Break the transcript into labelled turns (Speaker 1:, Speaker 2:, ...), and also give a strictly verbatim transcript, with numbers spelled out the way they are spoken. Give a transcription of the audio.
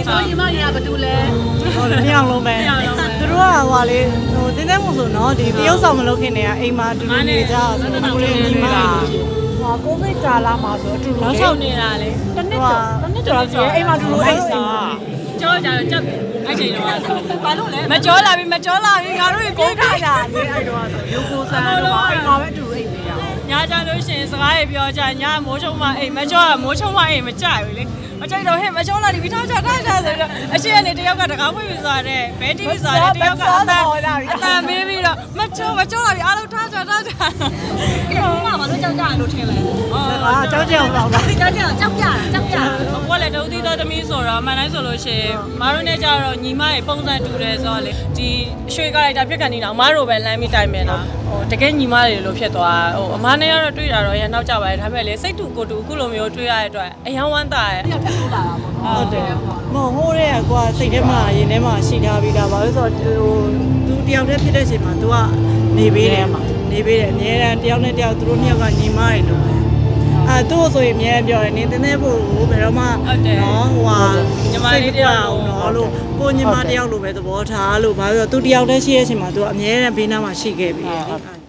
Speaker 1: ဆိုညီမကြီးကဘာတူလဲ
Speaker 2: ဟုတ်တယ်နှစ်ယောက်လုံးပဲသူတို့ကဟိုလေဟိုတင်းတင်းမို့ဆိုနော်ဒီတရုတ်ဆောင်မလုပ်ခင်တည်းကအိမ်မှာတူတူနေကြဆိုတော့ကိုလေးညီမဟိုကိုဗစ်ကာလမှာဆိုအတူတူ
Speaker 3: နောက်ချုပ်နေတာလေ
Speaker 2: တစ်နှစ်ကျော်တစ်နှစ်ကျော်ဆိုအိမ်မှာတူတူအိမ်စား
Speaker 3: ကြောကြတော့ချက်အဲ့ချိန်တော့ဘာလို့လဲမကြောလာပြီမကြောလာပြီငါတို့ပြေးခါကြ
Speaker 2: လေအဲ့တော့ဆိုရုပ်ကိုဆန်းတော့အိမ်မှာပဲအတူတူအိမ်နေရအောင်
Speaker 3: ညာကြလို့ရှိရင်စကားတွေပြောကြညာမိုးချုံမအိမ်မကြောမိုးချုံမအိမ်မကြဘူးလေမကြိုက်တော့ဟဲ့မကြောလာပြီထားကြထားကြဆိုတော့အရှိကနေတယောက်ကတကားဖွင့်ပြီးသွားတယ်ဘဲတီးပြီးသွားတယ်တယောက်ကအတန်အတန်မေးပြီးတော့မကြောမကြောလာပြီအားလုံးထားကြထားကြ
Speaker 1: ကဲဘာမှမလို့ကြောက်ကြရလို့ထင်လဲ
Speaker 2: အာကြောက်ကြောက်တော့ပါ
Speaker 1: ကြောက်ကြကြောက်ကြကြောက်ကြ
Speaker 3: ဘွားလည်းဒုတိယသမီးဆိုတော့အမှန်တိုင်းဆိုလို့ရှိရင်မအားနဲ့ကြတော့ညီမရဲ့ပုံစံတူတယ်ဆိုတော့လေဒီရွှေကားလိုက်တာပြက်ကန်နေတာအမားတို့ပဲလမ်းပြီးတိုင်မယ်လားဟိုတကယ်ညီမတွေလို့ဖြစ်သွားဟိုအမားနဲ့ကတော့တွေ့တာတော့ရန်နောက်ကြပါတယ်ဒါပေမဲ့လေစိတ်တူကိုတူအခုလိုမျိုးတွေ့ရတဲ့အတွက်အယံဝမ်းသာရဲ့
Speaker 1: ပြက်ထက်ထိုးလာတာပေါ့နော်
Speaker 2: ဟုတ်တယ်မဟုတ်ဟိုးတဲ့ကွာစိတ်ထဲမှာရင်ထဲမှာရှိထားပြီးသားပါလို့ဆိုတော့ဟိုသူတယောက်တည်းဖြစ်တဲ့အချိန်မှာ तू ကနေပေးတယ်နေပေးတယ်အများအားတယောက်နဲ့တယောက်သူတို့နှစ်ယောက်ကညီမတွေလို့အဲသူ့ဆိုရင်အများပြောတယ်နေတင်းတင်းဖို့ဘယ်တော့မှနော်ဟိုဟာညီမလေးတယောက်နော်လို့ကိုညီမတယောက်လိုပဲသဘောထားလို့ဘာလို့ဆိုတော့သူတယောက်တည်းရှိတဲ့အချိန်မှာ तू အများနဲ့ဘေးနားမှာရှိခဲ့ပြီ